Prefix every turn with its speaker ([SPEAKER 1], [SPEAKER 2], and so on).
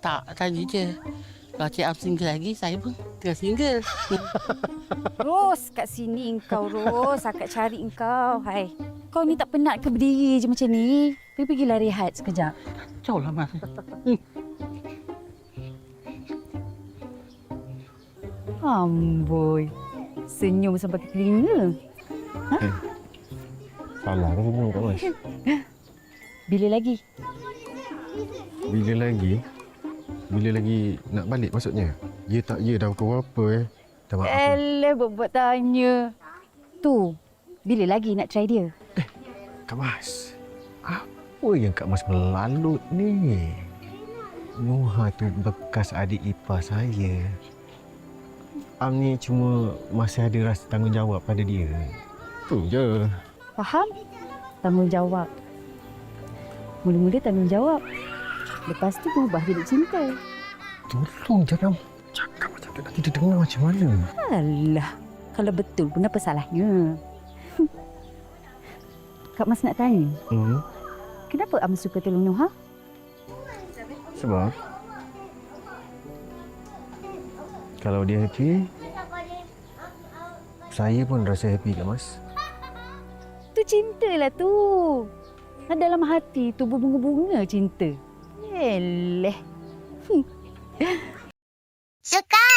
[SPEAKER 1] Tak, tadi je. Kalau Cik Am single lagi, saya pun tengah single.
[SPEAKER 2] Ros, kat sini engkau, Ros. Akak cari engkau. Hai. Kau ni tak penat ke berdiri je macam ni? Pergilah rehat sekejap.
[SPEAKER 1] Kacau lah, Mas.
[SPEAKER 2] Amboi. Senyum sampai ke telinga.
[SPEAKER 3] Salah ke senyum Kak Mas?
[SPEAKER 2] Bila lagi?
[SPEAKER 3] Bila lagi? Bila lagi nak balik maksudnya? Ya tak ya dah pukul berapa Dah maaf.
[SPEAKER 2] Alah, buat tanya. Tu, bila lagi nak try dia?
[SPEAKER 3] Kak Mas, apa yang Kak Mas melalut ni? Nuha tu bekas adik ipar saya. Am ni cuma masih ada rasa tanggungjawab pada dia. Tu je.
[SPEAKER 2] Faham? Tanggungjawab. Mula-mula tanggungjawab. Lepas tu berubah jadi cinta.
[SPEAKER 3] Tolong jangan cakap macam tu. Nanti dia dengar macam mana.
[SPEAKER 2] Alah, kalau betul pun apa salahnya? Kak Mas nak tanya, kenapa Am suka tolong Nuha?
[SPEAKER 3] Sebab kalau dia happy, saya pun rasa happy Kak Mas.
[SPEAKER 2] Tu cintalah tu. Dalam hati tu berbunga-bunga cinta. Eleh.
[SPEAKER 4] Suka